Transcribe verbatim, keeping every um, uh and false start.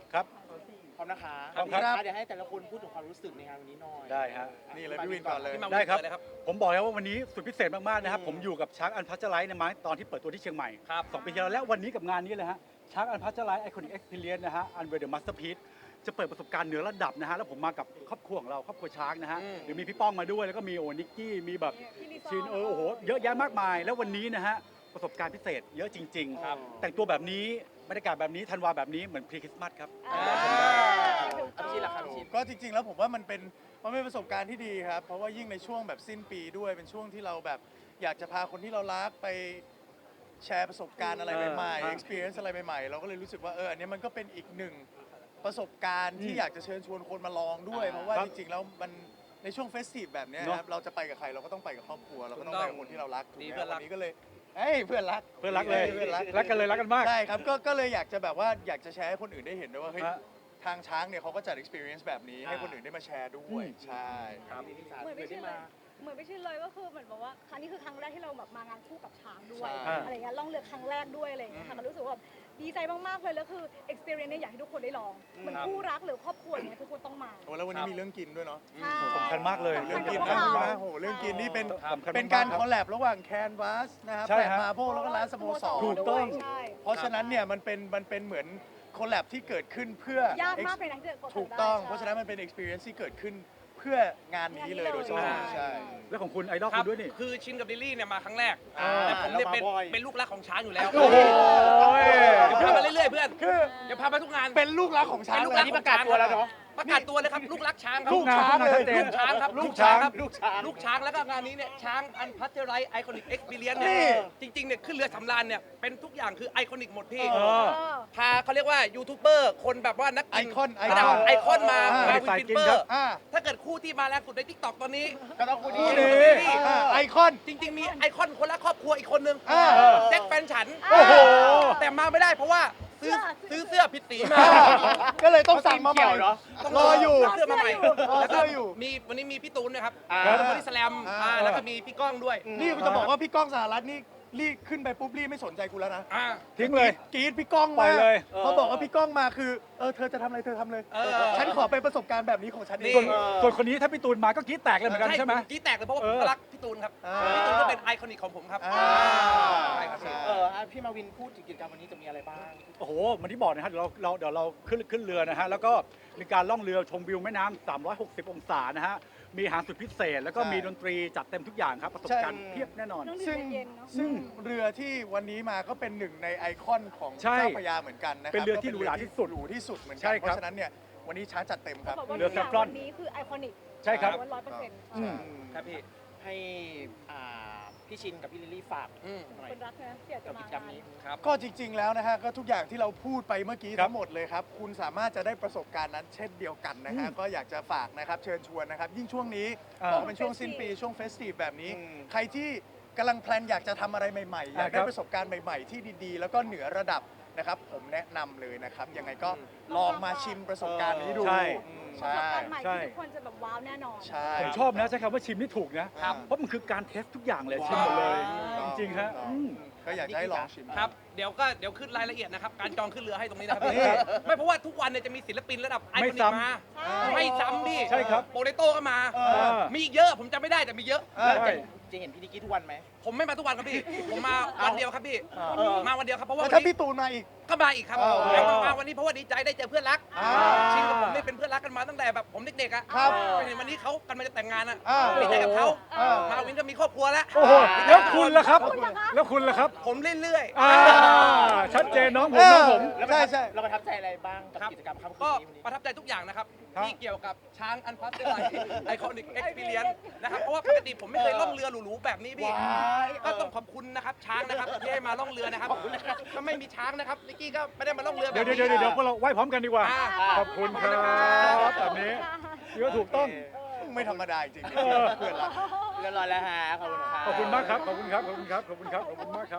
ครับพร้อมนะคะพร้อมครับเดี๋ยวให้แต่ละคนพูดถึงความรู้สึกในงานวันนี้หน่อยได้ฮะนี่เลยพี่วินก่อนเลยได้ครับผมบอกแล้วว่าวันนี้สุดพิเศษมากๆนะครับผมอยู่กับช้างอันพัชไลท์ในมาตอนที่เปิดตัวที่เชียงใหม่สองปีที่แล้วและวันนี้กับงานนี้เลยฮะช้างอันพัชไลท์ไอคอนิกเอ็กซ์เพรียนนะฮะอันเวอร์เดอะมาสเตอร์พีซจะเปิดประสบการณ์เหนือระดับนะฮะแล้วผมมากับครอบครัวของเราครอบครัวช้างนะฮะเดี๋ยวมีพี่ป้องมาด้วยแล้วก็มีโอนิกกี้มีแบบชินเออโอ้โหเยอะแยะมากมายแล้ววันนี้นะฮะประสบการณ์พิเศษเยอะจริงๆแต่งตัวแบบนี้บรรยากาศแบบนี้ธันวาแบบนี้เหมือนพรีคริสต์มาสครับพี่ชินล่ะครับพี่ชินก็จริงๆแล้วผมว่ามันเป็นมันเป็นประสบการณ์ที่ดีครับเพราะว่ายิ่งในช่วงแบบสิ้นปีด้วยเป็นช่วงที่เราแบบอยากจะพาคนที่เรารักไปแชร์ประสบการณ์อะไรใหม่ๆ experience อะไรใหม่ๆเราก็เลยรู้สึกว่าเอออันนี้มันก็เป็นอีกหนึ่งประสบการณ์ที่อยากจะเชิญชวนคนมาลองด้วยเพราะว่าจริงๆแล้วมันในช่วงเฟสทีฟแบบนี้ครับเราจะไปกับใครเราก็ต้องไปกับครอบครัวเราก็ต้องไปกับคนที่เรารักถูกไหมวันนี้ก็เลยเอ้ยเพื่อนรักเพื่อนรักเลยเพื่อนรักรักกันเลยรักกันมากใช่ครับก็ก็เลยอยากจะแบบว่าอยากจะแชร์ให้คนอื่นได้เห็นด้วยว่าเฮ้ยทางช้างเนี่ยเขาก็จัด experience แบบนี้ให้คนอื่นได้มาแชร์ด้วยใช่ครับเหมือนไม่ใช่เลยเหมือนไม่ใช่เลยก็คือเหมือนบอกว่าครั้งนี้คือครั้งแรกที่เราแบบมางานคู่กับช้างด้วยใช่อะไรเงี้ยล่องเรือครั้งแรกด้วยอะไรเงี้ยค่ะมันรู้สึกว่าดีใจมากๆเลยแล้วคือ experience เนี่ยอยากให้ทุกคนได้ลองเหมือนคู่รักหรือครอบครัวเนี่ยทุกคนต้องมาโอ้แล้ววันนี้มีเรื่องกินด้วยเนาะสำคัญมากเลยเรื่องกินสำคันะญกับพวกเราโอ้โหเรื่องกินนี่เป็นสำคัญมากเป็นการคอลแลบระหว่างแคนวาสนะครับใช่แปดฮะมาโบแล้วก็ร้านสโมสรถูกต้องใช่เพราะฉะนั้นเนี่ยมันเป็นมันเป็นเหมือนคอลแลบที่เกิดขึ้นเพื่อยากมากเลยนะที่จะดถูกต้องได้เพราะฉะนั้นมันเป็น experience ที่เกิดขึ้นเพื่องานนี้เลยโดยเฉพาะใช่ใช่แล้วของคุณไอดอลครัคุบณด้วยนี่คือชินกับลิลลี่เนี่ยมาครั้งแรกอ่าแต่ผมเนี่ยเป็นแล้วมาบ่อยเป็นลูกรักของช้างอยู่แล้วโอ้โหเดี๋ยวพามาเรื่อยๆเพื่อนคือเดี๋ยวพามาทุกงานเป็นลูกรักของช้างเป็นลูกเลรัยกนี่ประกาศตัวแล้วเนาะประกาศตัวเลยครับลูกรักช้างครับลูกช้างเลยลูกช้างครับลูกช้างครับลูกช้างลูกช้างแล้วก็งานนี้เนี่ยช้างอันพัชไรไอคอนิกเอ็กซ์เพรียนนี่เนี่ยจริงๆเนี่ยขึ้นเรือสำราญเนี่ยเป็นทุกอย่างคือไอคอนิกหมดพี่เออเออพาเขาเรียกว่ายูทูบเบอร์คนแบบว่านักไอกินคอนไอระคดัอบ นไอคอนมาอ่ามาวินสายฟินกินเปอครับร์อ่าถ้าเกิดคู่ที่มาแรงสุดในทิกตอกตอนนี้ก็ต้องคู่นี้คู่นี้อ่าไอคอนจริง ๆ มีไอคอนคนละครอบครัวอีกคนนึงอ่าแจ็คแฟนฉันโอ้โหแต่มาไม่ได้เพราะว่าซื้อเสื้อซื้อเสื้อผิดสีมาก็เลยต้องสั่งมาใหม่เกี่ยวเหรอต้องรออยู่เสื้อมาใหม่รอแล้วเสื้ก็ออยู่มีวันนี้มีพี่ตูนนะครับอ่าบริสแลมอ่าอ่าแล้วก็มีพี่ก้องด้วยนี่จะบอกว่าพี่ก้องสหรัฐนี่รีบขึ้นไปปุ๊บรีบไม่สนใจกูแล้วนะอ่าทิ้งเลยกรีดพี่ก้องปล่มาอยเลยเขาบอกว่าพี่ก้องมาคือเออเธอจะทำอะไรเธอทำเลยเออฉันขอเป็นประสบการณ์แบบนี้ของฉันเอนี่งส่วนส่วนคนนี้ถ้าพี่ตูนมาก็กรี๊ดแตกเลยเหมือนกันใช่ไหมผมกรี้แตกเลยเพราะว่าเอผมอก็รักพี่ตูนครับอ่าพี่ตูนก็เป็นไอคอนิกของผมครับอ่าใช่ครับใช่เอออ่ะพี่มาวินพูดถึงกิจกรรมวันนี้จะมีอะไรบ้างโอ้โหเหมันที่บอกนะฮะเดี๋ยวเราเราเดี๋ยวเราขึ้นขึ้นเรือนะฮะแล้วก็มีการล่องเรือชมวิวแม่น้ำสามร้อยหกสิบองศานะฮะมีอาหารสุดพิเศษ แล้วก็ใช่มีดนตรีจัดเต็มทุกอย่างครับประสบการณ์ใช่เพียบแน่นอนน้องซึ่งเย็นๆเนาะซึ่งเรือที่วันนี้มาก็เป็นหนึ่งในไอคอนของใช่เจ้าพระยาเหมือนกันนะครับเป็นเรือที่หรูหราที่สุดหรูที่สุดเหมือนใช่กันครับเพราะฉะนั้นเนี่ยวันนี้ช้าจัดเต็มครับเขาบอกว่าเรือทุกอย่างแซฟรอนวันนี้คือไอคอนิกใช่ครับร้อยเปอร์เซ็นต์อืมครับพี่ให้อ่าพี่ชินกับพี่ลิลลี่ฝากอืมหน่อยคนรักนะที่อยากจะกับมากิจกรรมนี้ครับก็จริง ๆ แล้วนะฮะก็ทุกอย่างที่เราพูดไปเมื่อกี้ครับทั้งหมดเลยครับ คุณสามารถจะได้ประสบการณ์นั้นเช่นเดียวกันนะฮะอืมก็อยากจะฝากนะครับเชิญชวนนะครับ ยิ่งช่วงนี้อ่าบอกว่าเป็นช่วงสิ้นปีช่วงเฟสทีฟแบบนี้อืมใครที่กำลังแพลนอยากจะทำอะไรใหม่ๆ อยากได้ครับประสบการณ์ใหม่ ๆ ที่ดีๆ แล้วก็เหนือระดับนะครับ ผมแนะนำเลยนะครับ ยังไงก็ลองมาชิมประสบการณ์นี้ดูใช่อืมประใช่สบการณ์ใหม่ใช่ที่ทุกคนจะแบบว้าวแน่นอนใช่ผมชอบนะใช้คำว่าชิมนี่ถูกนะครับเพราะมันคือการเทสทุกอย่างเลยชิมหมดเลย จริงๆฮะอืมก็อยากจะให้ลองชิมครับ เดี๋ยวก็เดี๋ยวขึ้นรายละเอียดนะครับ การจองขึ้นเรือให้ตรงนี้นะครับนี่ไม่เพราะว่าทุกวันเนี่ยจะมีศิลปินระดับไอไม่คอนิกซ้ำมาใช่ไม่ซ้ำพี่ใช่ครับโปเตโต้ก็มาเอเออมีอีกเยอะผมจำไม่ได้แต่มีเยอะเออใช่จะเห็นพี่นิกกี้ทุกวันไหมผมไม่มาทุกวันครับพี่ ผมมาวันเดียวครับพี่เออมาวันเดียวครับเพราะว่าแล้ววันถ้านี้พี่ตูนมาอีกก็มาอีกครับอ๋อแล้วมามาวันนี้เพราะว่าดีใจได้เจอเพื่อนรักอ่าชินกับผมนี่เป็นเพื่อนรักกันมาตั้งแต่แบบผมเด็กๆอ่ะครับไปเห็นวันนี้เขากำลังจะแต่งงานอ่ะอ่าดีใจกับเขาอ่ามาวินก็มีครอบครัวแล้วโอ้โหแล้วคุณล่ะครับ แล้วคุณล่ะครับผมเรื่อยอ่าชัดเจนน้องผมน้องผมแล้วใช่ใช่เราประทับใจอะไรบ้างกับครับกิจกรรมค่ำๆคืก็นนี้วันนี้ประทับใจทุกอย่างนะครับครับที่เกี่ยวกับช้างอันพัสเตอร์ไลไอคอนิกเอ็กซ์เพรียนนะครับเพราะว่าปกติผมไม่เคยล่องเรือหรูๆแบบนี้พี่ว้ายก็ต้องขอบคุณนะครับช้างนะครับที่ให้มาล่องเรือนะครับถ้าไม่มีช้างนะครับนิกกี้ก็ไม่ได้มาล่องเรือแบเดี๋ยวบนี้เดี๋ยวเดี๋ยวเดี๋ยวพวกเราไหว้พร้อมกันดีกว่าอ่าขอบคุณครับแบบนี้ถือว่าถูกต้องไม่ธรรมดาจริงๆเออเพื่อนรักเรียบร้อยแล้วฮะขอบคุณครับขอบคุณมากครับ ขอบคุณครับ ขอบคุณครับ ขอบคุณครับ ขอบคุณมากครับ